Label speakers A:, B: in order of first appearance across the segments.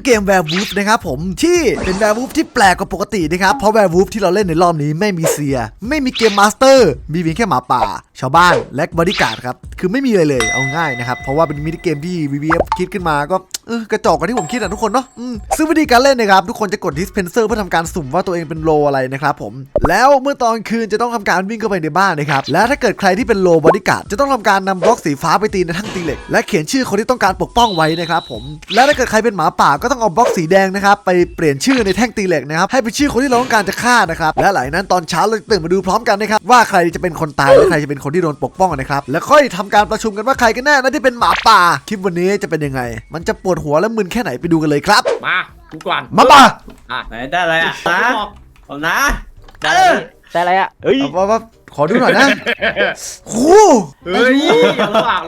A: เกม Werewolf นะครับผมที่เป็น Werewolf ที่แปลกกว่าปกตินะครับเพราะ Werewolf ที่เราเล่นในรอบนี้ไม่มีเซียไม่มีเกมมาสเตอร์มีเพียงแค่หมาป่าชาวบ้านและบอดี้การ์ดครับคือไม่มีอะไรเลยเอาง่ายนะครับเพราะว่าเป็นมินิเกมที่ VVF คิดขึ้นมาก็กระจอกกว่าที่ผมคิดนะทุกคนเนาะซึ่งวิธีการเล่นนะครับทุกคนจะกด dispenser เพื่อทำการสุ่มว่าตัวเองเป็นโลอะไรนะครับผมแล้วเมื่อตอนคืนจะต้องทำการวิ่งเข้าไปในบ้านนะครับและถ้าเกิดใครที่เป็นโลบอดี้การ์ดจะต้องทำการนำบล็อกสีฟ้าไปตีในทั้งตีเหล็กและเขียนชื่อคนที่ต้องการปกป้องไว้นะครับผมและถ้าเกิดใครเป็นหมาป่าก็ต้องเอาบล็อกสีแดงนะครับไปเปลี่ยนชื่อในแท่งตีเหล็กนะครับให้เป็นชื่อคนที่เราต้องการจะฆ่านะครับและหลังนั้นตอนเช้าเราตื่นมาดูพร้อมกันนะครับว่าใครจะเป็นคนตายและใครจะเป็นคนที่โดนปกป้องนะครับแล้วค่อยทำการประชุมกันว่าใครกันแน่นะที่เป็นหมาป่าคลิปวันนี้จะเป็นยังไงมันจะปวดหัวและมึนแค่ไหนไปดูกันเลยครับ
B: มากูก่อน
A: หมาป่า
C: ไหนได้อะไรอ่ะนะผมนะ
D: ได้อะไรอ่ะเฮ้ย
A: ว่าขอดูหน่อยนะโอ้
B: เฮ้ยระหว่าง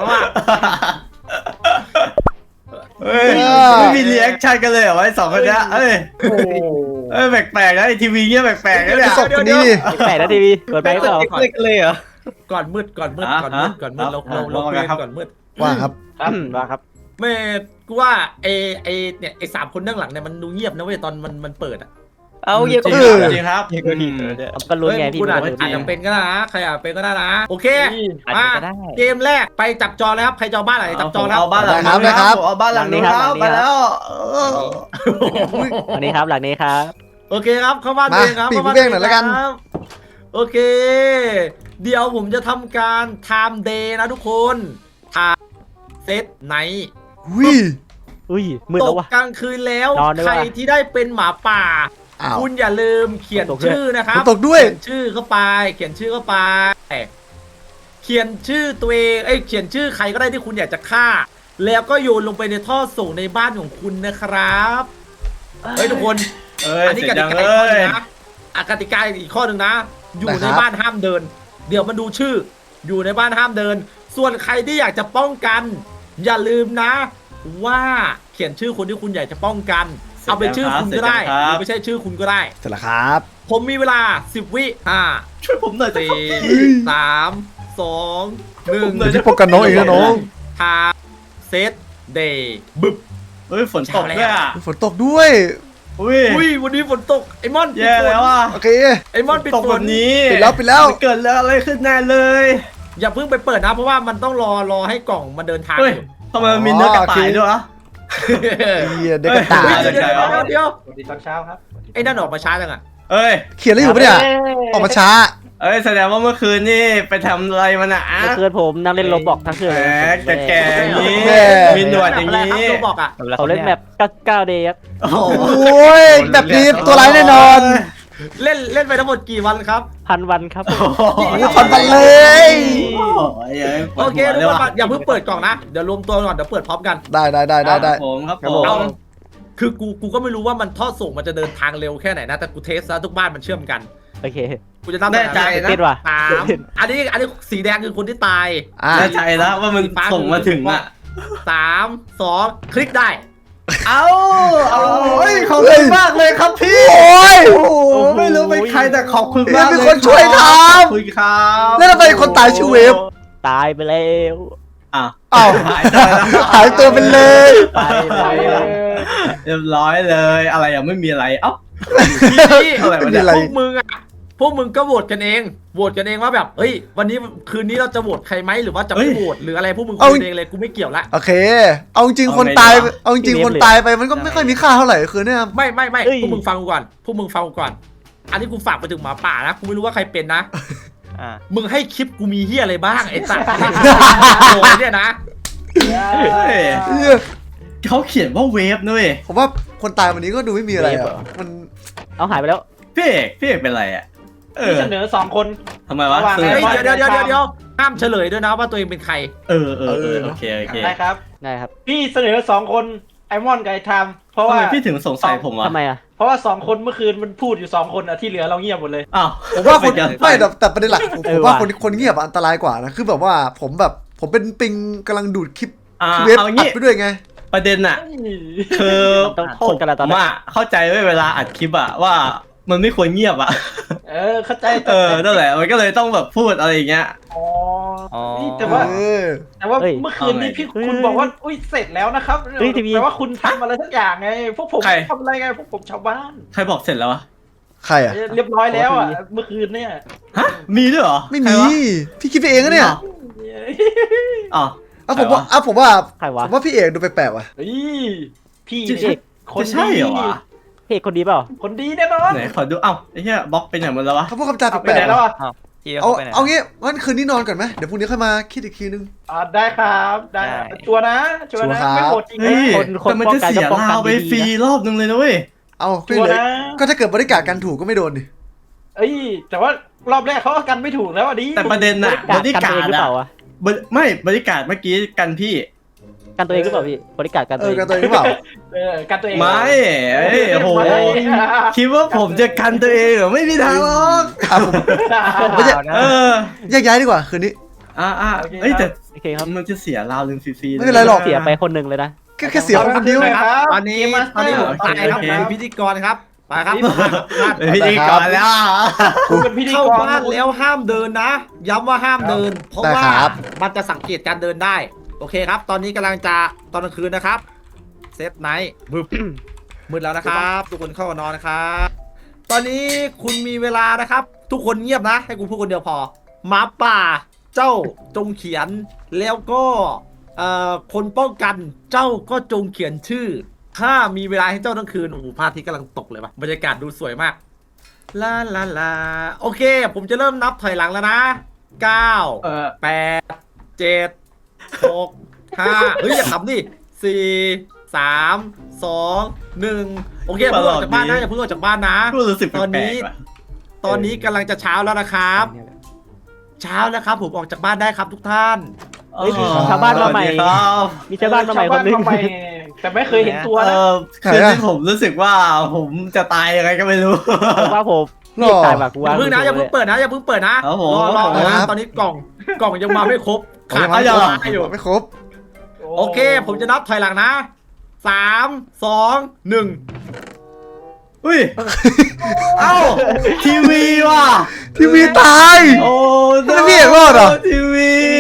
C: เฮ้ยไม่มีรีแอคชั่นกันเลยเหรอไอ้สองคนนี้เอ้ยแปลกๆนะไอทีวีเงี้ยแปลกๆนะเนี่ย
A: ศพคนนี้
D: แปลกนะทีวีเปิดไปก็ต่อ
C: เลยเหรอ
B: ก่อนมืดเราคุยก่อนมืด
A: ว่าครับ
D: ว่าครับ
B: ไม่กูว่าไอสามคนด้านหลังเนี่ยมันดูเงียบนะเว้ยตอนมันเปิดอ่ะ
D: เอาเยอะ
C: จริงครับ
D: ก็ลุ้นไงพี่
B: อาจจะเป็นก็ได้นะใครอาจเป็นก็ได้นะโอเคมาเกมแรกไปจับจอเลยครับใครจอบ้านไหนจับจอแล้ว
C: เอาบ้านหลังนี้ครับเอาบ้านหลังนี้ครับไปแล้ว
D: อันนี้ครับหลังนี้ครับ
B: โอเคครับเข้าบ้านเองครับ
A: ปีกเบ้งหน่อยแล้วกัน
B: โอเคเดี๋ยวผมจะทำการ time day นะทุกคนเซตไหน
D: มืด
B: ต
D: แล้ว
B: ก
D: วะ
B: กลางคืนแล้วใครที่ได้เป็นหมาป่าคุณอย่าลืมเขียนชื่อนะครับ
A: ตกด้วย
B: เขียนชื่อเข้าไปเขียนชื่อตัวเองเขียนชื่อใครก็ได้ที่คุณอยากจะฆ่าแล้วก็โยนลงไปในท่อส่งในบ้านของคุณนะครับทุกคนอันนี้กติกาอีกข้อนึงนะกติกาอีกข้อนึงนะอยู่ในบ้านห้ามเดินเดี๋ยวมันดูชื่ออยู่ในบ้านห้ามเดินส่วนใครที่อยากจะป้องกันอย่าลืมนะว่าเขียนชื่อคนที่คุณอยากจะป้องกันเอาเป็นชื่อคุณก็ได้หรือไม่ใช่ชื่อคุณก็ได้
A: เสร็จแล้วครับ
B: ผมมีเวลา10 วิ
C: ช่วยผมหน่อย
B: 4 3 2 1
A: ที่ปกกันน้องเองนะน้อง
B: ทาเซตเดย์บึบ
C: ฝนตกด้วย
A: ฝนตกด้วย
B: อุ้ยวันนี้ฝนตกไอ้มอน
C: แย่แล้วอ่ะ
A: โอเค
B: ไอ้มอนปิดฝน
C: นี้
A: ปิดแล้ว
C: เกิดแล้วอะไรขึ้นแน่เลย
B: อย่าเพิ่งไปเปิดนะเพราะว่ามันต้องรอให้กล่องมันเดินทาง
C: ทำไมมันมีเนื้อกระต่ายด้วย
A: เด็กกระต่าย
B: เดี๋ยว
D: สวัสดีตอนเช้าครับ
B: ไอ้นั่นออกมาช้าจังอ่ะ
A: เขียนอะไรอยู่ปะเนี่ยออกมาช้า
C: แสดงว่าเมื่อคืนนี่ไปทำอะไรมาน่ะ
D: เมื่อคืนผมนั่งเล่นโรบอกทั้งคืน
C: แก่อย่างนี้มีหนวดอย่างนี้
B: โรบอกอ่ะ
D: เขาเล่นแบบ9 เดย์ครับ
A: โอ้ยแบบนี้ตัวร้ายแน่นอน
B: เล่นไปทั้งหมดกี่วันครับ
D: 1,000 วันครับ
A: 1,000 วันเลย
B: โอเคทุกคนอย่าเพิ่งเปิดกล่องนะเดี๋ยวรวมตัวก่อนเดี๋ยวเปิดพร้อมกัน
A: ได้
C: ผมครับ
B: คือกูก็ไม่รู้ว่ามันท่อส่งมันจะเดินทางเร็วแค่ไหนนะแต่กูเทสแล้วทุกบ้านมันเชื่อมกัน
D: โอเค
B: กูจะตั้ง
C: ใจนะ
B: อันนี้สีแดงคือคนที่ตาย
C: แน่ใจแล้วว่ามันส่งมาถึง
B: 3 2คลิกได้
C: ขอบคุณมากเลยครับพี่ไม่รู้เป็นใครแต่ขอบคุณมาก
A: มีคนช่วยทำ
C: คุยครับ
A: แล้วทำไมคนตายชื่อเวฟ
D: ตายไปแล้ว
A: หายตัวไปเลย
C: เรียบร้อยเลยอะไรยังไม่มีอะไร
B: พวกมึงก็โหวตกันเองว่าแบบเฮ้ยวันนี้คืนนี้เราจะโหวตใครไหมหรือว่าจะไม่โหวตหรืออะไรพวกมึงคุยเองเลยกูไม่เกี่ยวละ
A: โอเคเอาจริงคนตายไปมันก็ไม่ค่อยมีค่าเท่าไหร่คือเนี่ย
B: ไม่พวกมึงฟังกูก่อนอันนี้กูฝากไปถึงหมาป่านะกูไม่รู้ว่าใครเป็นนะมึงให้คลิปกูมีเฮียอะไรบ้างไอ้สัตว์โอ้ยเนี่ยนะ
C: เขาเขียนว่าเวฟด้วย
A: ผมว่าคนตายวันนี้ก็ดูไม่มีอะไรมัน
D: เอาหายไปแล้ว
C: พี่เอกเป็นไร
D: เสนอ2 คน
C: ทำไมวะ
B: เดี๋ยวห้ามเฉลยด้วยนะว่าตัวเองเป็นใคร
C: โอเค
D: ได้ครับพี่เสนอ2 คนไอมอนกับไอไทม์เพราะว่า
C: พี่ถึงสงสัยผม
D: ทำไมเพราะว่า2 คนเมื่อคืนมันพูดอยู่2 คนที่เหลือเราเงียบหมดเลย
A: ผมว่าคนไม่แต่ประเด็นหลักผมว่าคนเงียบอันตรายกว่านะคือแบบว่าผมเป็นปิงกำลังดูดคลิปเว็บอัดไปด้วยไง
C: ประเด็นอะคือผมเข้าใจเวลาอัดคลิปอะว่ามันไม่ควรเงียบ
D: เข้าใจ
C: นั่นแหละมันก็เลยต้องแบบพูดอะไรอย่างเงี้ย
D: อ๋อนี่แต่ว่า
A: เออ
D: เมื่อคืนนี้คุณบอกว่าอุ้ยเสร็จแล้วนะครับแปลว่าคุณทำอะไรสักอย่างไงพวกผมทำอะไรไงพวกผมชาวบ้าน
C: ใครบอกเสร็จแล้ววะ
A: ใครอ่ะ
D: เรียบร้อยแล้วอ่ะเมื่อคืนเนี่ย
C: ฮะมีด้วยเหรอ
A: ไม่
C: ใคร
A: มี
C: วะ
A: พี่คิดไปเองนะเนี่ย
C: อ๋อ
A: ผมว่า
E: ใครวะ
A: ผมว่าพี่เอกดูแปลกๆว่ะ
D: เฮ้ยพี่
C: จะ
D: เอกคน
C: จะใช่
D: ดี
C: เหรอวะ
E: พี่เอกคนดีเปล่า
D: คนดีแน่นอน
C: ไหนขอดูเอ้าไอ้เหี้ยบล็อกเป็นอย่างมันแล้ววะ
A: เขาพูดคำจา
D: ไป
A: แปล
D: ไหน
A: กๆ
D: แล้ว
A: ว่ะ
D: อ่ะ
A: เอางี้งั้นคืนนี้นอนก่อนไหมเดี๋ยวพรุ่งนี้ค่อยมาคิดอีกทีนึง
D: ได้ครับได้ชัวร์นะชัวร์นะ
A: ชัวร์ครับ
D: ไม่โหดจริง
C: เฮ้ย
E: คน
C: แต่มัน
E: ป้อง
C: จะ
E: กัน
C: เสีย
E: ก็ป้องกัน
C: ลาวไป
E: ดีๆ
C: ฟรีรอบนึงเลยนะเว้ย
A: เอาก็
D: ชัวร์
A: เลย
D: นะ
A: ก็ถ้าเกิดบริการกันถูกก็ไม่โดนดิ
D: เอ้ยแต่ว่ารอบแรกเขาก็กันไม่ถูกแล้วอ่ะดิ
C: แต่ประเด็นน่ะ
E: การ
C: บริ
E: กัน
C: กา
E: ตัวเอง
C: ร
E: หรือเป
C: อะ
E: ล่าวะ
C: ไม่บริการเมื่อกี้กันพี่
E: กันตัวเองหรือเปล่าพี่บริการกัน
A: เอ
E: ตัว
A: อ
E: เอง
A: กันตัวเองหรือเปล่า
D: กันตัวเอง
C: ไม่เอ้ยโอ้โห
D: ไม่
C: คิดว่าผมจะกันตัวเองเหรอไม่มีทางหรอก
A: ผมไม่ใช่
C: เออ
A: แยกย้ายดีกว่าคืนนี้
C: เอ้ยแต่
E: โอเคครับ
C: มันจะเสียราวนึงฟรีๆ
A: ไม่เป็นไรหรอก
E: เสียไปคนหนึ่งเลยนะ
A: แค่เสียคนเดียว
B: ตอนนี้ผมตายครับผมเป็นพิธีกรครับไปครับ
C: เป็นพิธีกรแล้ว
D: คุณเป็นพิธี
B: เข้าก
D: ร
B: บ้านแล้วห้ามเดินนะ ย้ำว่าห้ามเดิน เพราะว่ามันจะสังเกตการเดินได้ โอเคครับ ตอนนี้กำลังจะตอนกลางคืนนะครับเซฟไนท์มืดแล้วนะครับ ทุกคนเข้านอนนะครับ ตอนนี้คุณมีเวลานะครับ ทุกคนเงียบนะ ให้กูพูดคนเดียวพอหมาป่าเจ้าจงเขียนแล้วก็คนป้องกันเจ้าก็จงเขียนชื่อ ถ้ามีเวลาให้เจ้าทั้งคืนโอ้โหพระอาทิตย์กำลังตกเลยว่ะบรรยากาศดูสวยมากลาลาลาโอเค ผมจะเริ่มนับถอยหลังแล้วนะ9 8 7 6 5เฮ้ยอย่าขำดิ4 3 2 1โอเคเพิ่งออกจากบ้านนะอย่าเพิ่งออกจากบ้านนะ
C: กูรู้สึกแป
B: ตอน
C: ล
B: นี้
C: กๆว่ะ
B: ตอนนี้กำลังจะเช้าแล้วนะครับ เช้าแล้วครับผมออกจากบ้านได้ครับทุกท่าน
E: เฮ้ยมีชาวบ้านมาใหม่
C: สวัสดีครับ
E: มีชาวบ้านมาใหม่คนนึง
D: ชาวบ้ามาใหม่แต่ไม่เคยเห็นตัวนะ
C: คือที่ผมรู้สึกว่าผมจะตายยังไงก็ไม่รู้
E: ผมว่าผม
A: หร
E: พี่
A: อ
E: ตายแบบกู
B: อย่า
E: ว่า
B: เพิ่งนะอย่าเพิ่งเปิดนะอย่าเพิ่งเปิดนะครับ
C: ผม
B: รอ
A: ครับ
B: นะตอนนี้กล่องยังมาไม่ครบขาด
A: ไม่
B: ตัว
A: ครบ
B: อยู่
A: ไม่ครบ
B: โอเค ผมจะนับถอยหลังนะ3 2 1
C: อุ้ย เอ้าทีวีว่ะ
A: ทีวีตาย
C: โอ้
A: ทำไมพี่เอกรอดอ่ะ
C: ทีวี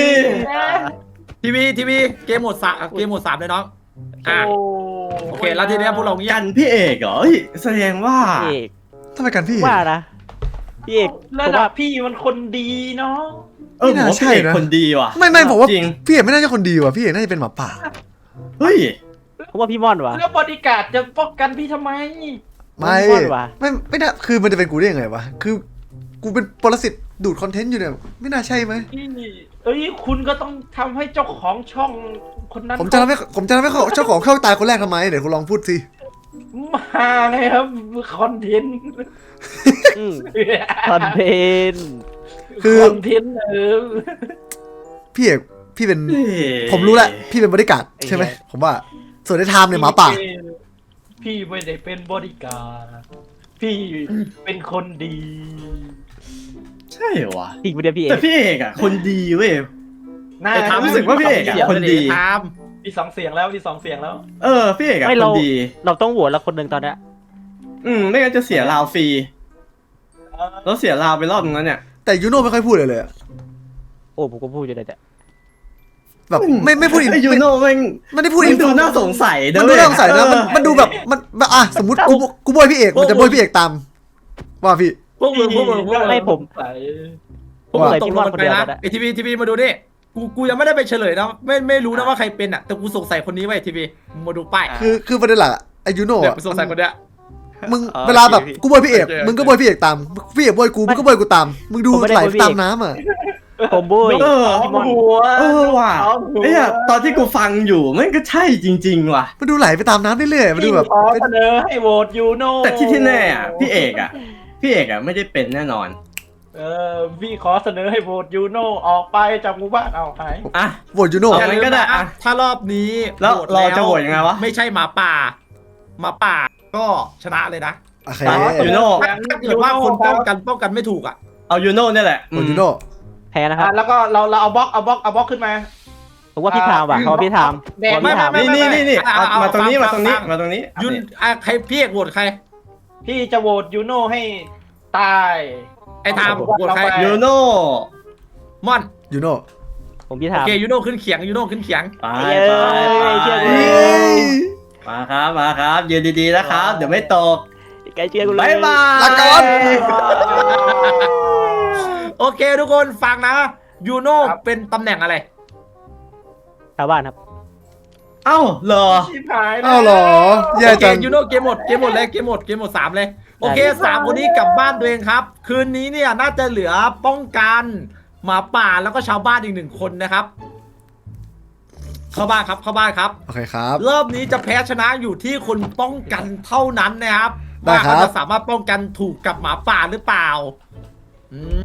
B: ทีวีเกมโหมด3เลยน้องอ่ะโอเคแล้วทีเนี้ยพวกเราเงีย
C: กับ นพี่เอกเหรอเฮ้ยแสดงว่า
E: พี่เอก
A: ทำไมกันพี่
E: ว่านะพี่เอกผ
D: ระ
E: ม
D: ดั
E: ว่า
D: บพี่มันคนดีเนาะ
C: ผมว่าพี่เอกคนดีว่ะ
A: ไม่ผมว่า
C: จริง
A: พี่เอกไม่น่าจะคนดีว่ะพี่เอกน่าจะเป็นหมาป่า
C: เฮ้ย
E: ผมว่าพี่ม่อนวะ
D: แล้วบอดี้การ์ดจะป้องกันพี่ทำไม
A: ไม่
E: ม่อนว่ะ
A: ไม่น่าคือมันจะเป็นกูได้ยังไงวะคือกูเป็นปรสิตดูดคอนเทนต์อยู่เนี่ยไม่น่าใช่ไหม
D: เอ้ยคุณก็ต้องทำให้เจ้าของช่องคนนั้น
A: ผมจะทำให้เขาเจ้าของเข้าตายคนแรกทำไมเดี๋ยวคุณลองพูดสิ
D: มาไงครับคอนเทนต์
E: อืมคอนเทนต์
A: คือ
D: คอนเทนต์
A: พี่เอกพี่เป็น
C: เฮ้ย
A: ผมรู้แล้วพี่เป็นบริการดใช่ไหมผมว่าส่วนในไทม์เนี่ยหมาป่า
D: พี่ไม่ได้เป็นบอดี้การ์ดพี่เป็นคนดี
C: ใช่เหรอวะ
E: จริงไม่ได้พี่เอ
C: แต่
E: ก
C: พี่เอกอ่ะคนดีเว้ย
D: น่า
B: แต่ถาม
C: รู้สึกว่าพี่เอกอะคนดี
B: ถาม
D: มี2 เสียงแล้วมี2 เสียงแล้ว
C: พี่เอกอ่ะ
E: ไม่
C: ค
E: เรา
C: นดี
E: เราต้องโหวตละคนหนึ่งตอนเนี้ย
C: ไม่งั้นจะเสียราวฟรีแล้วเสียราวไปรอบนึงแล้วเนี่ย
A: แต่ยูโน่ไม่ค่อยพูดเลยอะ
E: โอ้ผมก็พูดอยู่เลยแต่
A: แบบไม่พูดอิน
C: ไอ้ยูโน่แม่ง
A: ไม่ได้พูด
C: มั
A: อิ
C: น
A: น
C: ดูน่าสงสัย
A: มันดูน่าสงสัยนะมันดูแบบมันอ่ะสมมติกูโบยพี่เอกมันจะโบยพี่เอกตามว่าพี่
B: พวกมึง
E: ไม่ผม
B: พวกมึงตกลงกันไปนะไอทีวีมาดูนี่กูยังไม่ได้ไปเฉลยนะไม่รู้นะว่าใครเป็นอ่ะแต่กูสงสัยคนนี้ไว้ทีวีมาดูป้าย
A: คือประเด็นหลักอะไอยูโน่
B: เนี่ย
A: อะ
B: กูสงสัยคนเนี้ย
A: มึงเวลาแบบกูโบยพี่เอกมึงก็โบยพี่เอกตามพี่เอกโบยกูมึงก็โบยกูตามมึงดูไหลตามน้ำอ่ะ
E: ผมบุ้ย
D: หัว
C: ว่ะไอ้ตอนที่กูฟังอยู่แม่งก็ใช่จริงๆว่ะ
A: มันดูไหลไปตามน้ำเรื่อยๆมันดูแบบ
D: ขอเสนอให้โหวตยูโน่
C: แต่ที่แน่อ่ะพี่เอกอ่ะไม่ได้เป็นแน่นอน
D: พี่ขอเสนอให้โหวตยูโน่ออกไปจากหมู่บ้านเอาหาย
C: อ่ะ
A: โหวตยูโน่
C: เอา งั้นก็ได้อะ
B: ถ้ารอบนี้
C: แล้วเราจะโหวตยังไงวะ
B: ไม่ใช่หมาป่าก็ชนะเลยนะ
A: โอเค
C: ยูโน่
B: ถ้าเกิดว่าคนป้องกันไม่ถูกอ่ะ
C: เอายูโน่เนี่ยแหละ
A: โหวตยูโน่
E: แพ้นะครับ
D: แล้วก็เราเอาบล็อกขึ้นมา
E: ผมว่าพี่ทามว่ะเขาว่าพี่ทาม
D: แดง
E: ผมว่าพี่ทาม
C: นี่มาตรงนี้มาตรงนี้
B: ยุนใครพี่เอกโหวตใคร
D: พี่จะโหวตยูโน่ให้ตาย
B: ไอ้ทามโหวตใคร
C: ยูโน่
B: ม่อน
A: ยูโน่
E: ผมพี่
B: โอ
E: ถาม
B: เคยูโน่ขึ้นเขียงยูโน่ขึ้นเขียง
C: ไป
E: เย้
C: ไป
E: เชื่อ
C: ไป
E: กู
C: มาครับยืนดีๆนะครับ เดี๋ยวไม่ตก
E: ไกลเชื่อกูเลย
C: บ๊ายบาย
A: ลาก่อน
B: โอเคทุกคนฟังนะยูโน่เป็นตำแหน่งอะไร
E: ชาวบ้านครับ
C: เอ้าเหรอ
D: ชิบหายแล้ว
A: อ้าวเหรอแย่
B: โอเค
A: จัง
B: ยูโน่เกมหมดเลยเกมหมด3เลยโอเค3คนนี้กลับบ้านตัวเองครับ คืนนี้เนี่ยน่าจะเหลือป้องกันหมาป่าแล้วก็ชาวบ้านอีก1 คนนะครับ เข้าบ้านครับ
A: โอเคครับ
B: รอบนี้จะแพ้ชนะอยู่ที่คนป้องกันเท่านั้นนะครับ
A: ได้
B: ว่า
A: ครับ
B: เขาจะสามารถป้องกันถูกกับหมาป่าหรือเปล่าอืม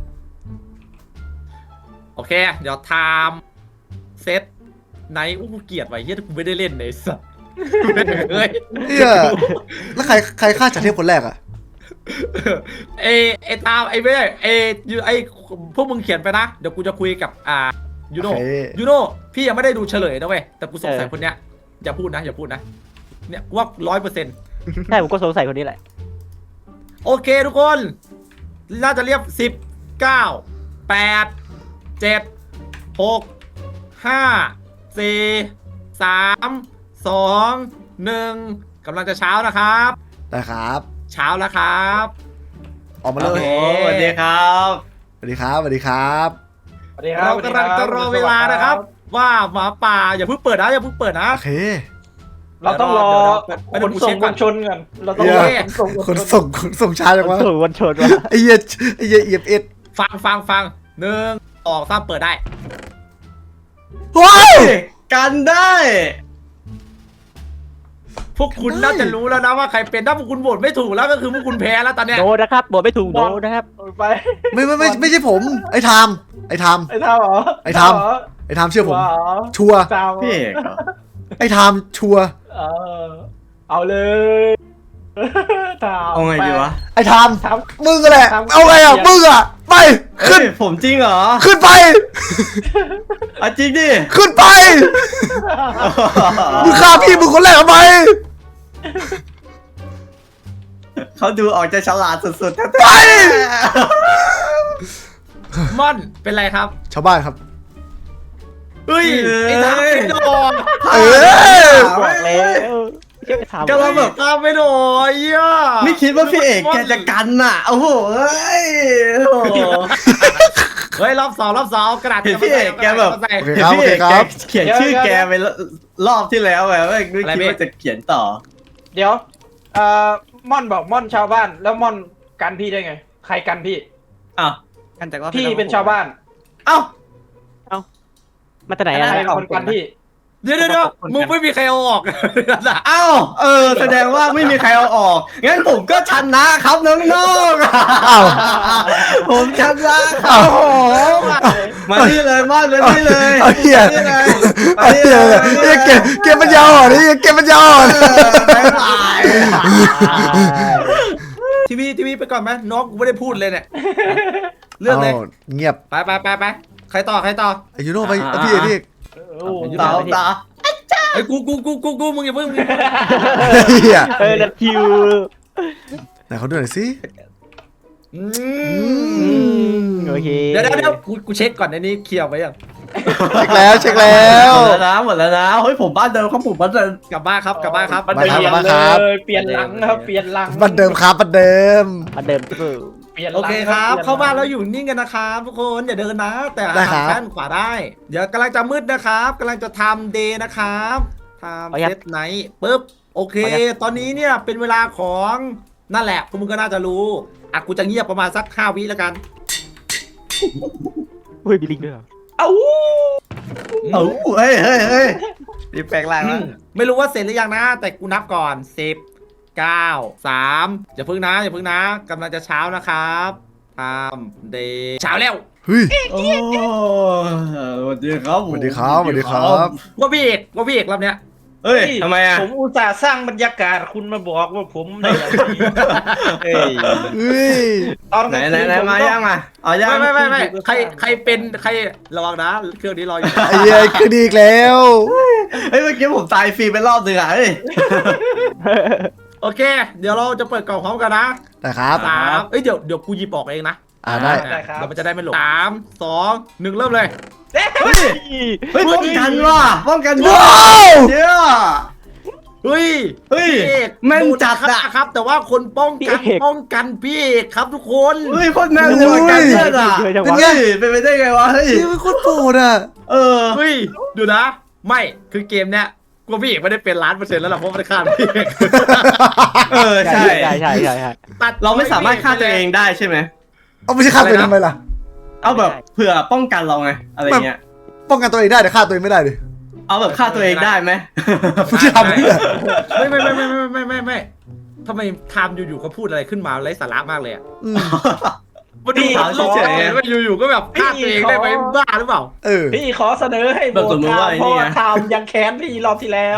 B: โอเค เดี๋ยวไทม์เซตไนท์อู้เกลียดไว้เฮียกูไม่ได้เล่นเลยสัสเฮ้ย
A: เฮียแล้วใครฆ่าจากเทพคนแรกอะ
B: ไอ้ตามไอ้ไม่ได้ไอ้พวกมึงเขียนไปนะ เดี๋ยวกูจะคุยกับยูโน่
A: โอเค
B: ยูโน่พี่ยังไม่ได้ดูเฉลยนะเว้ยแต่กูสงสัยคนเนี้ยอย่าพูดนะเนี่ยกูว่า100%
E: ใช่ผมก็สงสัยคนนี้แหละ
B: โอเคทุกคน น่าจะเรียบ10 9 8 7 6 5 4 3 2 1กำลังจะเช้านะครับ
A: ได้ครับ
B: เช้าแล้วครับ
A: ออกมาเล
C: โอ้
A: ย
C: โหสวัสดีครับ
A: สวัสดีครับสวัสดีครับ
D: สวัสดีครับ
B: เรากำลังจะรอเวลานะครับ ว่าหมาป่าอย่าเพิ่งเปิดนะ
A: โอเค
D: เราต้องรอ
B: เดี๋ยว
D: ขนส่ง
B: เดี๋ยว
D: มวลชนก่อนเราต้องรอขนส่งมวล
A: ข
D: ชน
A: นส่งช้าจังวะ
E: ถูกวันชนวะ
A: ไอ้เหี้ยเอียบเอ็ด
B: ฟัง1 2 3เปิดได้
A: ว้าว
C: กันได้
B: พวกคุณน่าจะรู้แล้วนะว่าใครเป็นถ้าพวกคุณโหวตไม่ถูกแล้วก็คือพวกคุณแพ้แล้วตอนเนี้ย
E: โดนนะครับบอกไม่ถูกโดนนะครับ
D: ไป
A: ไม่ใช่ผม ไอ้ไทม์
D: ไอ้ทามเหรอ
A: ไอ้ทำ ไอ้ไทม์เชื่อผม ชัวร์
D: ทาม
C: พี่เอกเหรอ
A: ไอ้ไทม์ชัวร์
D: เอาเลยทาม
C: เอาไงดีวะ
A: ไอ้ไทม์
D: ทาม
A: มึงก็แหละ เอาไงอ่ะ มึงอ่ะ ไป ขึ้น
C: เฮ้ยผมจริงเหรอ
A: ขึ้นไป
C: อ่ะจริงดิ
A: ขึ้นไป มึงฆ่าพี่มึงคนแรกทำไม
C: เขาดูออกจะฉลาดสุดๆแท้
A: ไป
B: ม่อนเป็นไรครับ
A: ชาวบ้านครับ
B: เฮ้ยไอ้ทามไม่โดน
A: เออ
E: บอกแล้วเชื่อไปถาม
C: ๆก็เราแบบ
B: ทามไม่โดนเหี้ย
C: ไม่คิดว่าพี่เอกแกจะกันน่ะ โอ้โหเอ้ยโอ้โห
B: เฮ้ยรอบสองกระดาษ
C: เห็นพี่เอกแกแบบ
B: ใส่
A: โอเค
C: เห็น
A: ครับ
C: พี่เอก
A: โอเคครับ
C: แกเขียนชื่อแกไปรอบที่แล้วแบบไม่คิดว่าจะเขียนต่อ
D: เดี๋ยวม่อนบอกม่อนชาวบ้าน แล้วม่อนกันพี่ได้ไง ใครกันพี่
C: อ้าว
E: กันจากว่า
D: พี่เป็นชาวบ้าน
C: เอ้า
E: มาจากไหน
D: ใค
E: อะ
D: รเป็นคนกันพี่
B: เดี๋ยวมึงไม่มีใครเอาออกนั่นน่ะ
C: เอ้าแสดงว่าไม่มีใครเอาออก งั้นผมก็ชนะครับน้องๆ
A: อ้าว
C: ผมชนะครับผมมาที่เลยมอนมาที่เลย
A: เอาเหี้ย
C: มาที่เลย
A: ไอ้เหี้ยเกมมันยาวอ่อนนี่เกมมันยาวอ่อน
C: บ๊ายบาย
B: ทีวีไปก่อนไหมน้องกูไม่ได้พูดเลยเนี่ยเรื่องเลย
A: าเงียบ
B: ไปใครต่อ
A: ไอ้ยูโน่ไปเอาพี่เอก
C: ต่อ
B: ไอ้กูมึงอย่าเพิ่ง
A: เฮีย
E: นัดคิว
A: ไหนเขาดูหน่อยสิ
E: โอเค
B: เดี๋ยวกูเช็คก่อนในนี้เคลียร์ไว้ยัง
A: เช็คแล้ว
C: หมดแล้วนะเฮ้ยผมบ้านเดิมครับผมบ้านเดิม
B: กลับบ้านครับ
D: มัน
A: มาครับ
D: เปลี่ยน
A: มา
D: เล
A: ครับ
D: ยเปลี่ยนหลังนะครับเปลี่ยนหลัง
A: บันเดิมครับบันเดิม
E: มาเดิมที่สุด
D: เปลี่ยนห
B: โอ
D: ลัง
B: เคครับ
D: ปลี่ยนหลัง
B: เข้าบ้านแล้วอยู่นิ่งกันนะครับทุกคนอย่าเดินนะ แต่
A: ได้ครับ
B: ทางด้านขวาได้ เดี๋ยวกำลังจะมืดนะครับกำลังจะทำเดย์นะครับทำเซตไนท์ปุ๊บโอเค ตอนนี้เนี่ยเป็นเวลาของนั่นแหละพวกมึงก็น่าจะรู้อ่ะกูจะเงียบประมาณสัก5 วิแล้วกัน
E: อุ้ยมีลิงด้วยเหรอ
D: เอ้า
C: เอ้าเฮ้ยรีบแปลงร่างแล้ว
B: ไม่รู้ว่าเสร็จหรือยังนะ แต่กูนับก่อน10 9 3อย่าพึ่งนะกำลังจะเช้านะครับทำเดย์เช้าแล้ว
A: เฮ้ย
C: โอ้สวัสดีครับ
A: สวัสดีครับสวัสดีครับ
B: ว่าพี่เอกรอบเนี้ย
C: เฮ้ยทำไมอ่ะ
D: ผมอุตส่าห์สร้างบรรยากาศคุณมาบอกว่าผมในแบบนี้
C: เฮ้ย
A: เฮ้ย
D: ตอนกลางคืน
C: ไหน
D: ผม
C: มา
D: ก็
C: ยังมาเอายัง
B: ไม่ใครเป็นใครระวังนะเครื่องนี้รออยู่
A: ไอ้เหี้ยคือดีอีกแล้ว
C: เฮ้ยเมื่อกี้ผมตายฟรีไปรอบนึงอ่ะเฮ้ย
B: โอเค เดี๋ยวเราจะเปิดกล่องพร้อมกันนะ
A: แต่ครับ
B: 3เอ้ยเดี๋ยวกูหยิบออกเองนะ
A: ได้
D: ได้ครับ
B: เราจะได้ไม่หลง3 2 1เริ่มเลย
C: เฮ้ยเฮ้ยป้องกันว่ะป้องกัน
A: ว้าว
C: เดี๋ยว
B: เฮ้ย
C: เฮ้ย
B: พี่เอก
C: แม่นจัด
B: โน
C: อะ
B: ฆ่าครับ แต่ว่าคนป้องกันพี่เอกครับทุกคน
C: เฮ้ยโคนแม่นเลยว่ะการเลือดอ่ะ
A: เป็นไง
C: เฮ้ยเป็นไปได้ไงวะเฮ้ย
A: นี่มันโคตรโปรดอ่ะ
C: เออ
B: เฮ้ยดูนะ ไม่คือเกมเนี้ยกลัวพี่เอกไม่ได้เป็น1,000,000%แล้วล่ะเพราะไม่ได้ฆ่าพี่เอก
C: เออใช่
E: ใช่
B: ตัด
C: เราไม่สามารถฆ่าตัวเองได้ใช่ไหม
A: เอาไม่ใช่ฆ่าตัวเองทำไมล่ะ
C: เอาแบบเผื่อป้องกันเราไงอะไรเงี้ย
A: ป้องกันตัวเองได้แต่ฆ่าตัวเองไม่ได้ดิ
C: เอาแบบฆ่าตัวเองได้ไหม
A: มึงจะทำเพื่อ
B: ไม่ทำไมไทม์อยู่ๆเขาพูดอะไรขึ้นมาไร้สาระมากเลยอ่ะ
A: อืม
B: มันดูโลกเลยว่าอยู่ๆก็แบบฆ่าตัวเองได้ไหมบ้าหรือเปล่า
A: เออ
D: พี่ขอเสนอให้โหวตทามเพราะว่าทามยังแค้นพี่รอบที่แล้ว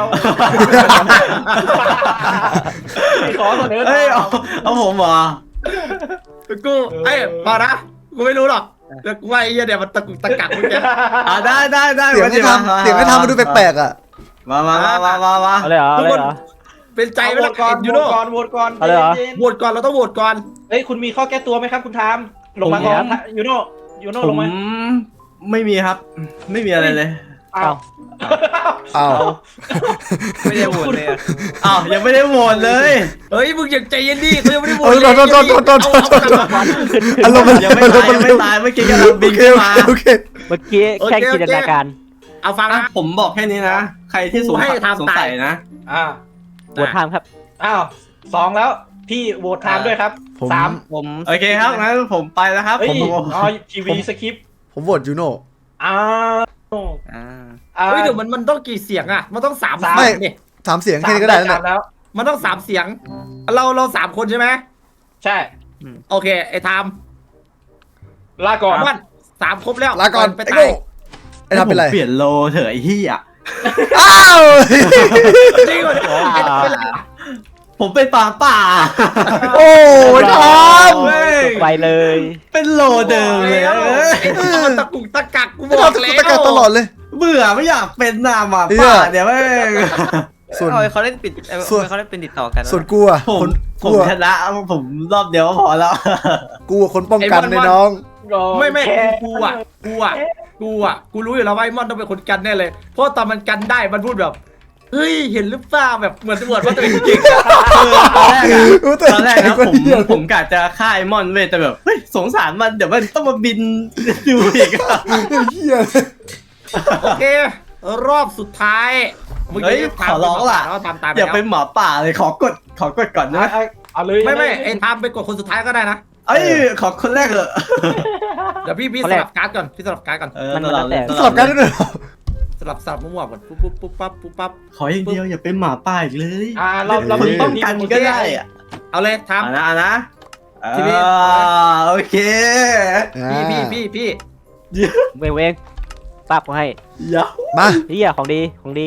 D: พี่ขอเสนอ
C: เฮ้ยเอาผมเหรอ
B: กูมานะกูไม่รู้หรอกแต่กูว่าไอ้เหี้ยเนี่ยมันตะกุกตะกักมึงแก
C: ได้
A: เสียงไม่ทำเสียงไม่ทำมันดูแปลกๆอ่ะ
C: มา
E: อะไรเหรออะไรเหรอ
B: เป็นใจ
D: โห
B: ไม่
D: ว
B: ต้อ
D: ต
B: ง
D: ก่อน
B: ยู
D: โห
B: โน่
D: วตก่อนโหวตก่อน
E: เอาเลยเหรอ
B: โหวตก่อนเราต้องโหวตก่อน
D: เฮ้ยคุณมีข้อแก้ตัวไหมครับคุณทามลงมาก่อนยูโน่
C: ผ
D: ล
C: ม
D: งมา
C: ไม่มีครับ ไม่มีอะไรเลย
D: อ้าว
A: อ้าว
C: ไม่ได้โหวตเลยอ้าวยังไม่ได้โหวตเลย
B: เฮ้ยมึงอย่าใจเย็นดิเขายังไม่ได้โหวต
A: เออ
B: เลย
A: โทษอารมณ์มัน
C: ยังไม่ตายยังไม่ตายเมื่อกี้กำลังบินขึ้นมา
A: โอเค
E: เมื่อกี้แค่จินตนาการ
B: เอาฟังนะ
C: ผมบอกแค่นี้นะ ใครที่สง
B: ให้ทำ
C: สัยนะ
D: อ่า
E: ปวดทามครับ
D: อ้าว2แล้วพี่โหวตทามด้วยครับ
A: ผม
D: 3
E: ผม
C: โอเคครับงั้นผมไปแล้วครับ
D: เฮ้ย
C: ผม
D: อ๋อทีวีสคริปต์
A: ผมโหวตยูโน่
D: อ้าว
B: เฮ้ยเดี๋ยวมันต้องกี่เสียงอ่ะมันต้อง3
A: ไม่
B: เสียงนี่
A: 3 เสียงแค่นี้ก็ได้แล้ว
D: สาม
A: เนี่ย
D: แล้ว
B: มันต้อง3เสียง เรา3 คนใช่ไหม
D: ใช่
B: โอเคไอ้ไทม์
D: ลาก่อน
B: วัน3ครบแล้ว
A: ลาก่อน
B: ไป
A: ไอ้
B: ตา
A: โง่
B: ย
A: ไอ้ทำเป็นไร
C: ผมเปลี่ยนโลเถอะไอ้เหี้ย
A: อ้าว
B: จริงเหรอไอ้เป็นไร
C: ผมเป็นป่าป่า
A: โอ้ยท
C: เว้ย
E: ไปเลย
C: เป็นโลเดิมเลย
B: ไอ้ที่มันตะกุกตะกักกู
A: ำ
B: บ
A: ไม่
B: อก
A: ทำ
B: แล้ว
A: ตะการตลอดเลย
C: เบื่อไม่อยากเป็นหน้าหมา
A: เหี้
C: ป่าย เดี๋ยวแม่ง
A: ส่วน
F: เขาเล่นปิด
A: ส่วน
F: เขาเล่นเป็นติดต่อกัน
A: ส่วนกูอะ
C: ผม
A: คน
C: ผ
A: กู
C: ม
A: อะ
C: ชนะผมรอบเดียวก็พอแล้ว
A: กูอะคนป้องกันในน้อง
B: ไม่กูรู้อยู่แล้วว่าไอ้มอนต้องเป็นคนกันแน่เลย เพราะตอนมันกันได้มันพูดแบบเฮ้ยเห็นหรือเปล่าแบบเหมือนว่าตัวเองเก่ง
C: ตอนแรกนะผมกะจะฆ่าไอ้มอนเว้ยแต่แบบเฮ้ยสงสารมันเดี๋ยวมันต้องมาบินดูอีกอะ
A: เฮีย
B: โอเค รอบสุดท้าย
C: เฮ้ยขอร้องล่ะ
B: แล้วทำตาม
C: อย่าเป็นหมาป่าเลยขอกดก่อนนะ
D: เอาเลย
B: ไม่ไอ้ทำไปกดคนสุดท้ายก็ได้นะ
C: เอ้ยขอคนแรกเหอะ
B: เดี๋ยวพี่สลับการ์ดก่อนพี่สลับการ์ดก่อน
E: มันแล้วแต่
A: สลับกันด้วยเหรอ
B: สลับมั่วๆก่อนปุ๊บปั๊บ
C: ขออย่างเดียวอย่าเป็นหมาป่าอีกเลย
D: เรา
C: คนป้องกันก็ได้อะ
B: เอาเลยท
C: เอานะ
B: ทีนี้
C: โอเค
B: ำพี่
E: เวงปั๊บเขาให้
C: เดี๋ยว
A: มา
E: เฮียของดี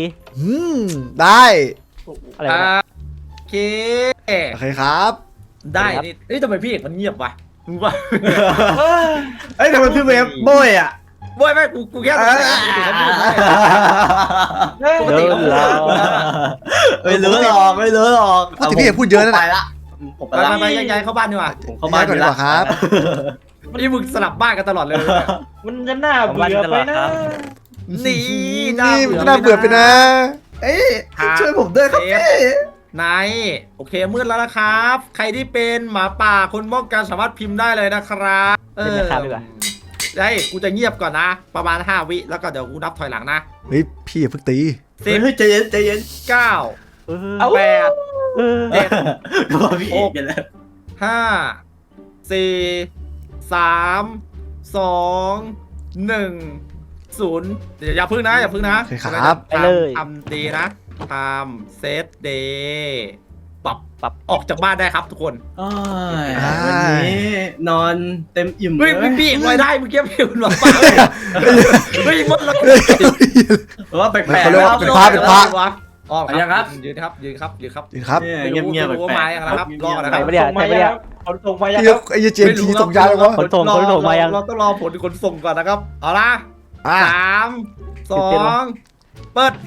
A: ได้
E: อะไรวะ
B: โอเค
A: โอเคครับ
B: ได้นี่เฮ้ยทำไมพี่เอกมันเงียบวะมึงว่า
C: เอ้ยแต่มันพี่เวฟโบยอ่ะ
B: โว้ยไม่กูแค่ปกติเขาพูดได้ ปกติเขาพูดได้
C: ไม่รู้หรอก
A: พูดถึงพี่เอกพูดเยอะนั่น
C: ไป
A: แหละ
C: ละผมไป
B: ไป
C: ละ
B: ไปย้ายเข้าบ้านดีกว่า
C: ผมเข้าบ้าน
A: ย้ายก่อนดีกว่าครับ
B: นี่มึงสลับบ้านกันตลอดเลย
D: มันจะน่าเบื่อไปนะ
B: นี่
A: นี่มันก็น่าเบื่อไปนะ
C: เอ้ยช่วยผมด้วยครับพี่
B: นายโอเคมืดแล้วนะครับ ใครที่เป็นหมาป่าคนป้องกันสามารถพิมพ์ได้เลยนะครับ
E: เป็นราคาดีกว่า
B: ได้กูจะเงียบก่อนนะ ประมาณ5 วิแล้วก็เดี๋ยวกูนับถอยหลังนะ
A: เฮ้ยพี่อย่าเพิ่งตี
C: เฮ้ยใจเย็น
B: 9
E: เอา
B: 8
C: ก็พี่เอกกันแล้ว
B: 5 4 3 2 1 0เดี๋ยวอย่าพึ่งนะอย่าพึ่งนะ
A: โอเคครับ
E: ไปเลย
B: ทำดีนะทำเซตเดย์ปรับออกจากบ้านได้ครับทุกคน
C: วันนี้นอนเต็มอิ่มเล
B: เฮ้ย
C: ย
B: พี่ไว้ได้เมื่อกี้พี่คุณหมาป่าเฮ้ยมดแล้ว
C: ว่าแปลก
A: เขาเรียกว่าเป็นพระเป็นพระ
B: ออก
C: ยังครับ
B: ยืนครับ
A: จริงครับ
C: เงียบ
B: ไม่รู้ว่าไม้อะไรนะครับรอก่อนนะค
E: ใคร
B: รับ
E: ไม่ได้ใครไม่ได้
D: คนส่งมายัง
A: พี่ไอ้เจมทีส่งยาเลยวะ
E: ขนส่งมายัง
B: เราต้องรอผลขนส่งก่อนนะครับเอาละ
A: อ่ะ
B: 3 2 เปิด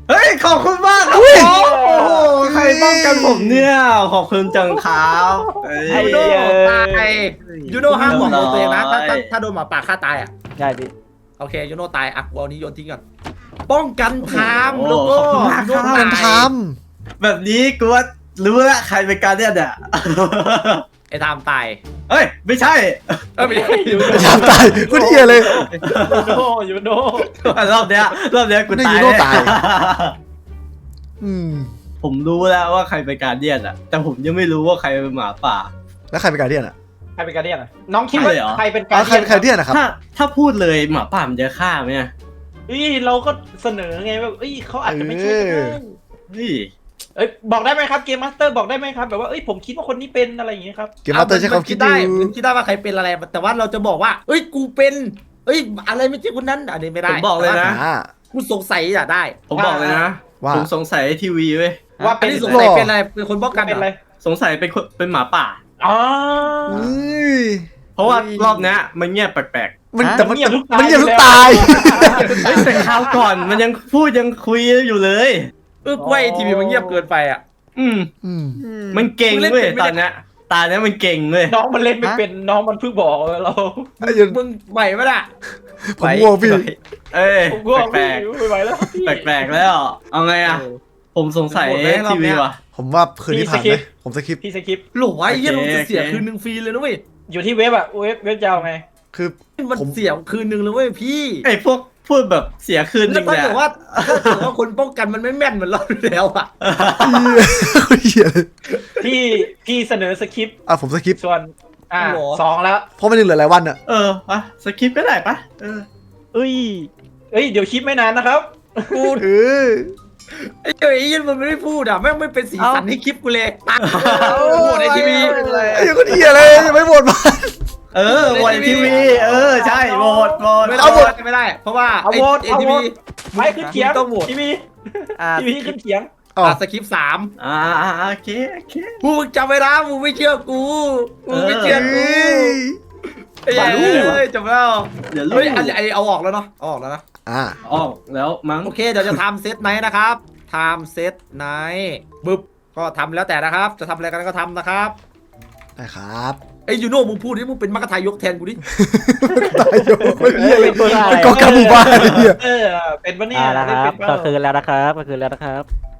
C: เฮ้ยขอบคุณมากครับผมโอ้โหใครป้องกันผมเนี่ยขอบคุณจังครับเอ้ย
E: ไอ้
B: ยู
E: เหี้
B: โน่
E: ย
B: ตายยูโน่ห้ามบอกตัวเองนะถ้าโดนหมาป่าฆ่าตายอ่ะ
E: ได้พี่
B: โอเคยูโน่ตายอ่ะกูเอานี้โยนทิ้งก่อนป้องกันไทม์แล้วก็
C: ขอบคุณมากครับ
B: ยูโน่
A: มันท
B: ตาย
C: แบบนี้กูว่ารู้แล้วใครเป็นการเนี่ยเนี่ย
B: ไอ้ไทม์ตาย
C: เฮ้ยไม่ใช่
B: ไม่ใช่ยู
A: ำ
B: โน่
A: ยามตายกูเหี้ยเลย
D: ยูโน่
C: รอบเนี้ยกู
A: นี่
C: ตาย
A: ยูโน่ตาย อืม
C: ผมรู้แล้วว่าใครเป็นการเดียนอะแต่ผมยังไม่รู้ว่าใครเป็นหมาป่า
A: แล้วใครเป็นการเดียนอ่ะ
D: ใครเป็นการเดียนอ่ะน้องคิดว่า
C: ใช่เหรอ
D: ใครเป็นกา
A: อ๋
D: ร
A: อใคร
D: เดียน
A: ใครเดียนนะครับ
C: ถ้าพูดเลยหมาป่ามันจะฆ่าไหมอะ
D: เราก็เสนอไงแบบเขาอาจจะไม่ใช่ก็ได้
C: เฮ้ย
D: บอกได้ไหมครับเกมมาสเตอร์บอกได้ไหมครับแบบว่าผมคิดว่าคนนี้เป็นอะไรอย่างเงี้ยครับ
A: เกมมาสเตอร์ใช้ความคิด
B: ได้
A: อยู่
B: มันคิดได้ว่าใครเป็นอะไรแต่ว่าเราจะบอกว่าเอ้ยกูเป็นเอ้ยอะไรไม่ใช่คนนั้นอันนี้ไม่ได้
C: ผมบอกเลยนะ
A: อ่า
B: กูสงสัยอ่ะได้
C: ผมบอกเลยนะ
A: ว่า
C: ผมสงสัยทีวีเว้ย
D: ว่า
B: อั
D: เป็น น
B: นี้สงสัยเป็นอะไรเป็นคนป้องกัน
D: เป็นอะไร
C: สงสัยเป็นหมาป่า
D: อ๋อ
A: อุ้ย
C: เพราะว่ารอบเนี้ยมันเงียบแปลก
A: มันแต่มัน
D: เงียบทุก
A: มันเงียบทุก
D: ตา
A: ตาย ย
C: ๆเฮ้ยแต่คราวก่อนมันยังพูดยังคุยอยู่เลย
B: กล้วยทีวีมันเงียบเกินไปอ่ะ
C: อืม
A: อืม
C: มันเก่ง
B: มึงเล่น
C: เว้ย
B: เป็นไม่
C: ต
B: ได้
C: อนเนี้ยตาเนี้ยมันเก่งเว้ย
D: น้องมันเล่นไม่เป็นน้องมันเพิ่งบอกเรา
A: ไอ้ยัน
B: มึงไหวไหมล่ะ
A: ผมง่วงพี่
C: เอ้ย
D: ผมก็
C: แปลก
D: ไม่ไหวแล้ว
C: ๆแปลกๆแล้วเอาไงอะผมสงสัย
B: หมดแล้วรอบ
C: ที
B: เนี้
C: วี
B: ย
C: ว่ะ
A: ผมว่าคืนนี้ผ่าน
D: พี่
A: ไหม
D: สคริปต์
A: ผมสคริปต์
D: พี่สกิป
B: หลวไอ้เหี้ย
C: โอ
B: มัน
C: เค
B: จะเสีย
C: โอเค
B: คืนนึงฟรีเลยนะเว้ย
D: อยู่ที่เว็บอะเว็บจะเอาไง
A: คือ
B: มัน
A: ผม
B: เสียคืนนึงเลยเว้ยพี่
C: ไอ้พวกพูดแบบเสียคืนจ
B: แล้
C: ริ
B: ว
C: ง
B: ถ้า
C: เนี่ย
B: เกิดว่าคนป้องกันมันไม่แม่นเหมือนเราอยู่แล้วอ่ะ
A: เหี้ยเลย
D: พี่เสนอสคริปต์
A: อ่ะผมสคริปต์
D: ส่วนสองแล้ว
A: เพราะมันยังเหลือหลายวันอ่ะ
C: ปะสคริปต์ก็ได้ปะ
E: เอ้ย
D: เดี๋ยวคลิปไม่นานนะครับ
B: กู
A: เออ
B: ไอ้เจ้าไอ้ยันมันไม่ได้พูดอ่ะแม่งไม่เป็นสีสันให้คลิปกูเลยตัดโหมดในทีวี
A: ไอ้ยังคนเหี้ยเลยยังไม่หมดมา
C: วันทีวีใช่โหวต
B: ไม่
A: เอาหมด
B: ไม่ได้ เพราะว่า
D: เอาโหวต
B: ไอ้
D: เอา
B: ที
D: โหว
B: วี
D: ตไม่ขึ้นเขียง
B: ต้องโหวต
D: ทีวี
E: อ่า
D: ทีวีขึ้นเขียง
A: อ๋อ
B: สคริปต์3
C: โอเค
B: มึงจำไว้นะมึงไม่เชื่อกูมึงไม่เชื่อกู
A: เฮ้ย
B: ไอ้ยันเลยจำแล้ว
C: เดี๋ยวรู้
B: เฮ้ยไอ้เอาออกแล้วเนาะเอาออกแล้วนะ
A: อ่า
C: ออกแล้วมั้ง
B: โอเคเดี๋ยวจะทำเซตไนท์นะครับทำเซตไนท์บึ๊บก็ทำแล้วแต่นะครับ จะทำอะไรกันก็ทำนะครับ
A: ได้ครับ
B: ไอ้ยูโน่มึงพูดดิมึงเป็นมัคคทายกแทนกูดิ
A: ตายโยคนเหี้ยเลย
E: ตัวอะไร
A: เป็นกองกำหมู่บ้านไอ้เหี้ย
D: เป็นปะเนี่ย
E: แล้วครับ
D: เป็น
E: ก็
D: ปะ
E: คืนแล้วนะครับก็คืนแล้วนะครับ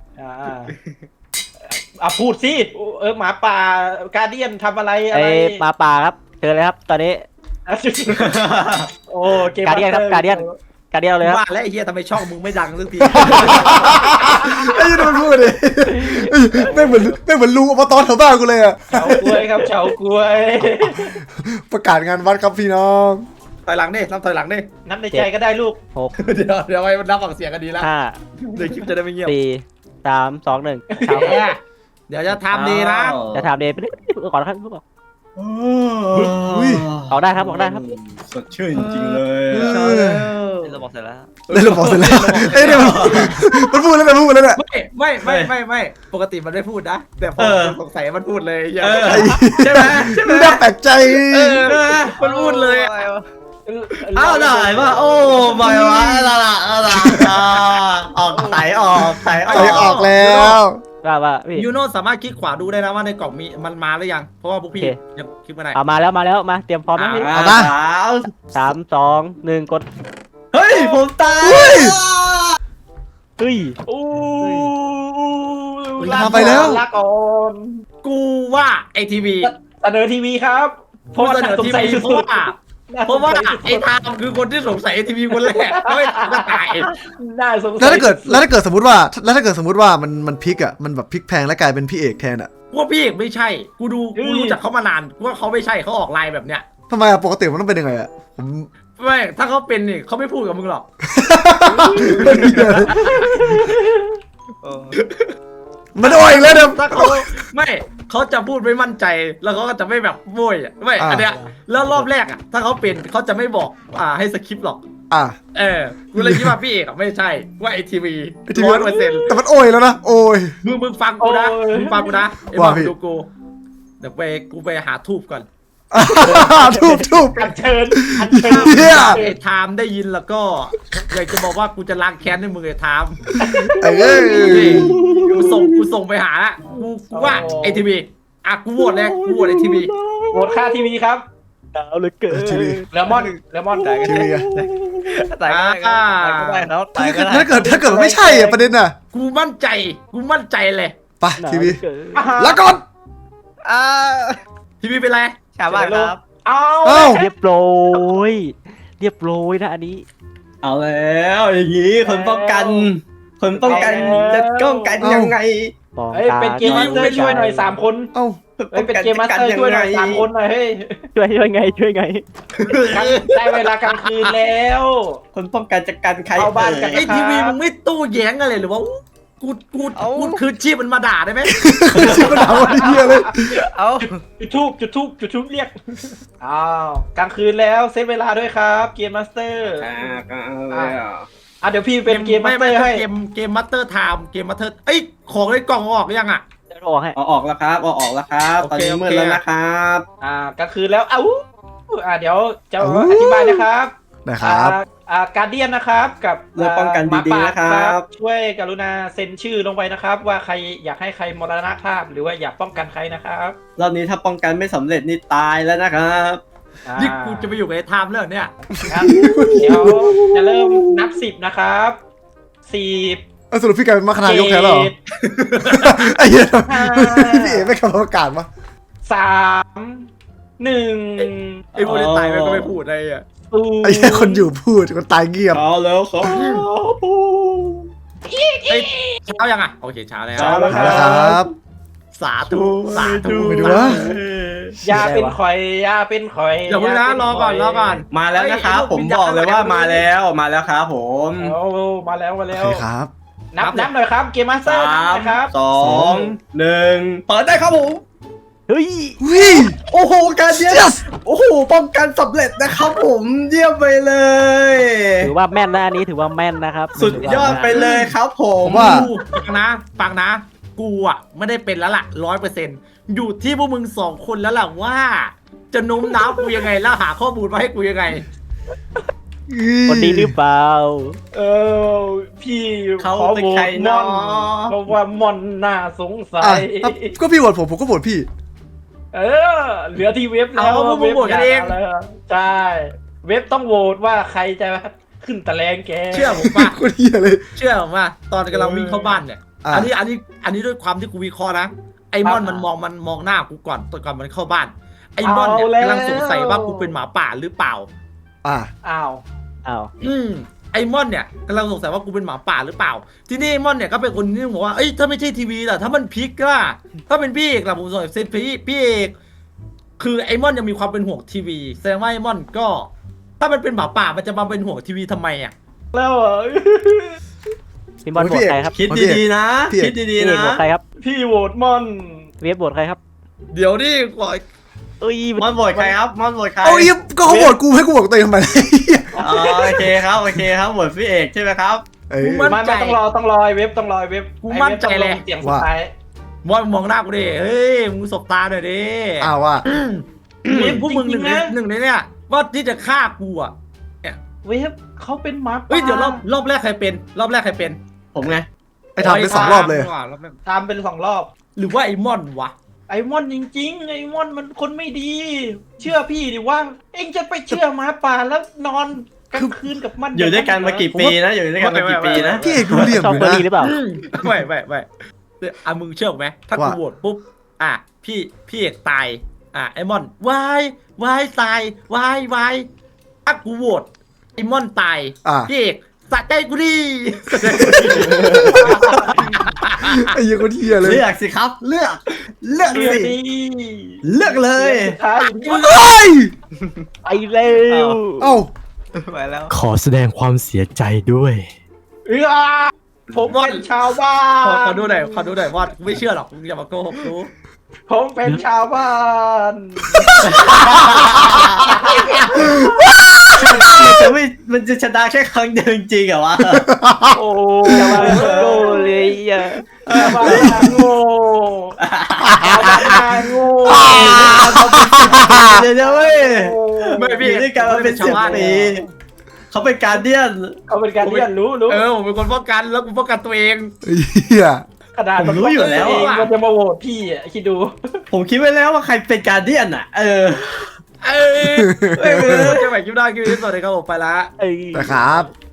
D: พูดสิหมาป่าการเดียนทำอะไรอะ
E: ไอ้
D: ไร
E: หมาป่าครับเชิญเลยครับ ตอนนี้
D: โอ้เกม
E: Guardian ครับ Guardian การเดียวเลยครับ
B: ว่าแล้วไอ้เหี้ยทำไมช่องมึงไม่ดังสักที
A: ไอ้ยังมันพูดเลยไม่งเหมือนลุงอบตแถวบ้านกูเลยอ่ะ
D: เฉากล้วยครับเฉากล้วย
A: ประกาศงานวัดครับพี่น้อง
B: ถอยหลังดินับถอยหลังดิ
D: นับในใจก็ได้ลูก
E: 6
B: เดี๋ยวไว้มันนับฝั่งเสียงกันดีแล้ว
E: 5
B: เดี๋ยวคลิปจะได้ไม่เงียบ
E: 4 3 2 1ครับ
B: เดี๋ยวจะทำดีนะ
E: จะถามเดย์ไปเรื่อยๆก่อนนะครับ
A: อุ้ย
E: ออกได้ครับออกได้ครับ
C: สดชื่นจริงเลย
E: เราบอกเสร็จแล้ว
A: เล่นระบบเสร็จแล้วเอ้ยเนี่ยมันพูดแล้วมันพูดแล้วเนี่ย
B: ไม่ปกติมันไม่พูดนะ แต่พอสงสัยมันพูดเลยอย่า
C: ใช่ไหม
A: มันน่าแปลกใจ
B: มันพูดเลย
C: อ้าวได้ป่ะโอ้ไม่วะละออกไถออก
A: ใส่ออกแล้ว
E: ว่าพี่
B: ยูโน่สามารถคลิกขวาดูได้นะว่าในกล่องมีมันมาหรือยัง เพราะว่าพวกพี่ยังคลิกไม่ได้
E: เอามาแล้วมาเตรียมพร้อมนะพี่ 3 2 1กด
C: เฮ้ยผมตาย
E: เฮ้ย
A: ลาไปแล้ว
D: ลาก่อน
B: กูว่าไอทีวี
D: เสนอทีวีครับเพ
B: พู
D: ราะ
B: ด
D: ว่า
B: เสนอ
D: สง
B: ที
D: สัย
B: วี
D: สุด
B: เพราะว่าไอ้ทามคือคนที่สงสัยไอทีวีคนแรกไม่ก็ตาย
D: น่าสงสัย
A: แล้วถ้าเกิดสมมติว่ามันพลิกอ่ะมันแบบพลิกแพงแล้วกลายเป็นพี่เอกแทนอ่ะ
B: ว่าพี่เอกไม่ใช่ กูรู้จักเขามานานว่าเขาไม่ใช่เขาออกไลน์แบบเนี้ย
A: ทำไมอ่ะปกติมันต้องเป็นยังไงอ่ะผม
B: ไม่ถ้าเขาเป็นนี่เขาไม่พูดกับมึงหรอก
A: มันโอ้ยอีกแล้วเดี๋ยว
B: ถ้าเขาไม่เขาจะพูดไม่มั่นใจแล้วเขาก็จะไม่แบบโวยอ่ะไม่อันเนี้ยแล้วรอบแรกอ่ะถ้าเขาเป็นเขาจะไม่บอกให้สคริปต์หรอก
A: อ่ะ
B: กูเลยคิดว่าพี่เอกอ่ะไม่ใช่ว่าไอทีวี
A: ITV
B: 100%
A: แต่มันโอ้ยแล้วนะโอ้ย
B: มึงฟังกูนะไอ้
A: ว่า
B: บ้า
A: พี่
B: ดูกูเดี๋ยวกูไปหาทูบก่อน
A: ทุบ
D: อัญเชิญอัญเชิญ
A: เหี้ย
B: ไอ้ไทม์ได้ยินแล้วก็อยากจะบอกว่ากูจะล้างแค้นให้มึงไอ้ไทม์
A: เอ้ย
B: กูส่งไปหาละกูว่าไอทีวีอ่ะกูโหวตเลยกูโหวตไอทีวี
D: โหวตค่าทีวีครับ
E: หนาวเหลือเกิน
A: ทีวี
D: เลมอนได้
A: ทีวีอะ
C: ตายก็ได้ครับตายก็ได้
A: ถ้าเกิดมันไม่ใช่อ่ะประเด็นน่ะ
B: กูมั่นใจเลย
A: ไป
E: หนาว
A: ทีวี
E: เหลือเกิน
A: แล้วก่อน
B: ทีวีเป็นไร
C: ชาวบ้านครับ
D: เอา
A: เอ้า
E: เรียบร้อยนะอันนี้
C: เอาแล้วอย่างนี้คนป้องกันจะป้องกันยังไง
E: ป้อง
D: เฮ้ย
E: กัน
D: เป็นเกมมาสเตอร์ช่วยหน่อย3 คน
A: เอ้า
D: เฮ้ยเป็นเกมมาสเตอร์ช่วยหน่อย3 คนหน่อยเฮ้ย
E: ช่วยไง
D: ได้เวลากลางคืนแล้ว
C: คนป้องกันจะกันใคร
D: เข้าบ้านกัน
B: ไอทีวีมึงไม่ตู้แย้งอะไรหรือว่ากูคืนชีพมันมาด่าได้ไหม
A: ชิบมันเอาไอ้เหี้ยเลย
D: จุดทูบเรียกอ้าวกลางคืนแล้วเซตเวลาด้วยครับเกมมาสเตอร์เดี๋ยวพี่เป็นเกมมาสเตอร์ให้
B: เกมมัตเตอร์ไทม์เกมมัตเตอร์เอ้ยของในกล่องออกยังอ่ะ
E: จะออกให้
C: ออกแล้วครับออกแล้วครับตอนนี้มืดแล้วนะครับ
D: กลางคืนแล้วเดี๋ยวจะอธิบายนะครับ
A: นะครับ
D: การเดียนนะครับกับ
C: เรื่องป้องกันดีๆนะครับ
D: ช่วยกรุณาเซ็นชื่อลงไปนะครับ ว่าใครอยากให้ใครมรณภาพหรือว่าอยากป้องกันใครนะครับ
C: รอบนี้ถ้าป้องกันไม่สำเร็จนี่ตายแล้วนะครับ
B: นี่กูจะไปอยู่กับไอ้ไทม์แล้วเนี่ย
D: ครับเดี๋ยวจะเริ่มนับ10นะครับ10
A: สรุปพี่กลายเป็นมรรคนายกแทนแล้วเหรอไอ้เหี้ยพี่เอ๋ไม่ขับประกาศมา
D: 3 1
B: ไอ้พวกนี้ตายไปก็ไม่พูดอะไรอ่ะ
A: ไอ้เหี้ยคนอยู่พูดคนตายเงียบ
C: เอาแล้วครับ
B: เฮ้ยเช้ายังอ่ะโอเคเช้าแล้ว
C: เช้าแล้ว
A: นะครับ
B: สาธุสาธุ
A: ไปดูวะ
D: ยาเป็นข่อยยาเป็นข่อย
B: อย่าเพิ่งนะรอก่อนรอก่อน
C: มาแล้วนะครับผมบอกเลยว่ามาแล้วครับผม
D: เอามาแล้ว
A: โอเคครับ
D: นับหน่อยครับเกมมาสเตอร์
C: 3
D: นะครับ
C: 2 1เปิดได้ครับผม
E: เฮ้ย
A: วิ่ง
C: โอ้โหการเดียน
A: Yes
C: โอ้โหป้องกันสำเร็จนะครับผมเยี่ยมไปเลย
E: ถือว่าแม่นนะอันนี้ถือว่าแม่นนะครับ
C: สุดยอดไปเลยครับผม
A: ว่า
B: ฟังนะกูอ่ะไม่ได้เป็นแล้วล่ะ100%อยู่ที่พวกมึง2 คนแล้วล่ะว่า จะโน้มน้าวกูยังไงแล้วหาข้อมูลมาให้กูยังไง
E: คนดีหรือเปล่า
D: พี่
C: เขา
D: ขอ
C: เป็น
D: โหว
C: ใคร
D: ตม
C: เนา
D: อนเพราะว่ามอนน่าสงสั
A: อ่ะ
D: ย
A: ก็พี่โหวตผมก็โหวตพี่
D: เหลือที่เว็บแล้ว
B: เอาพวกมึงโหวตกันเอง
D: ใช่เว็บต้องโหวตว่าใครจะขึ้นตะแลงแก
B: เชื่อผมป่ะ
A: คนเหี้ยเลย
B: เชื่อผมว่าตอนกำลังวิ่งเข้าบ้านเนี่ย
A: อ่ะ
B: อันนี้ด้วยความที่กูวิเคราะห์นะไอ้มอนมันมองหน้ากูก่อนตอนก่อนมันเข้าบ้านไอ้มอนเนี่ยกำลังสงสัยว่ากูเป็นหมาป่าหรือเปล่า
A: อ่ะ
D: อ้าว
B: ไอ้มอนเนี่ยกำลังสงสัยว่ากูเป็นหมาป่าหรือเปล่า ที่นี่ไอ้มอนเนี่ยก็เป็นคนที่บอกว่าเอ้ยถ้าไม่ใช่ทีวีล่ะถ้ามันพลิกล่ะถ้าเป็นพี่เอกล่ะผมสงสัยเป็นพี่เอกคือไอ้มอนยังมีความเป็นห่วงทีวีแสดงว่าไอ้มอนก็ ถ้ามันเป็นหมาป่ามันจะมาเป็นห่วงทีวีทำไมอ่ะ
D: แล้ว
E: พี่บอลโหวตใครครับ
C: คิดดีๆนะคิดดี
E: พี่
C: ๆ
E: เอก
C: นะ
E: โหวตใครครับ
D: พี่โหวตมอน
E: เวฟโหวตใครครับ
B: เดี๋ยวนี่ก่อน
E: เอ้ย
C: มอนโหวตใครครับมอนโหวตใคร
A: เอาอีกก็เขาโหวตกูให้กูโหวตตัวเองทำไม
C: อ๋อโอเคครับโหวตพี่เอกใช่ไหมครับ
A: เอ้ย
D: ไม่ต้องรอเว็บต้องรอเว็บ
B: กูมั่นใจเลย
D: เสียงสุดท้าย
B: มอนมองหน้ากูดิเฮ้ยมึงสบตาหน่อยดิ
A: อ้าวว่า
B: นี่พวกมึงหนึ่งในเนี่ยว่าที่จะฆ่ากูอ่ะ
D: เว็บเขาเป็นหมา
B: เฮ้ยเดี๋ยวรอบแรกใครเป็น
C: ผมไง
A: ไอ้ทำไป2 รอบเลย
D: ตามเป็น2 รอบ
B: หรือว่าไอ้มอนวะ
D: ไอ้มอนจริงๆไอ้มอนมันคนไม่ดี เชื่อพี่ดิว่า เอ็งจะไปเชื่อหมาป่าแล้วนอนกลางคืนกับมัน
C: อยู่ด้วยกันมากี่ปีนะอยู่ด้วยกันมากี่ปีนะ
A: พี่เอกรู้เหลี่ยม
E: ชอ
A: อบ ยู่
E: เบอร์
A: นะ
E: รี่หรือเปล่า
B: ไม่มึงเชื่อไหมถ้ากู
A: ว่า
B: โหวตปุ๊บพี่เอกตายไอ้มอนวายวายตายวายถ้ากูโหวตไอ้มอนตาย พี่เอกสะใจกูดิ
A: ไอ้เหี้ยคนเหี้ยเลย
C: เลือกสิครับเลือก
D: เชื่อ
C: สิ
D: ดี
C: เลือกเลย
D: สุดท้ายอยู่ที่
A: เฮ้ย
E: ไปเร็ว
A: เอ้า
C: ไปแล้ว
F: ขอแสดงความเสียใจด้วย
D: ผมเป็นชาวบ้าน
B: ขอดูหน่อยว่ากูไม่เชื่อหรอกมึงอย่ามาโกหกกู
D: ผมเป็นชาวบ้าน
C: มันจะชนะแค่ครั้งเดียวจริงๆเหรอวะ
D: โอ้
E: จะมาโกเลยอ่ะ
D: ชาวบ้านโง่ชาวบ้านโง่
A: โ
C: เดี๋ยวเว้ย
B: ไม่พี่
C: อยู่ด้วยกันมาเป็น10 ปีเขาเป็นการเดียน
D: เขาเป็นการเรียนรู้
B: ผมเป็นคนป้องกันแล้วกูป้องกันตัวเอง
A: เฮีย
D: ขนาด
C: ผมรู้อยู่แล้ว
D: มันจะมาโหวตพี่อ่ะคิดดู
C: ผมคิดไว้แล้วว่าใครเป็นการเดียนอ่ะ
B: เจอใหม่คลิปหน้าคลิปนี้สวัสดีครับผมไปละ
E: เอ้ย
A: นะครับ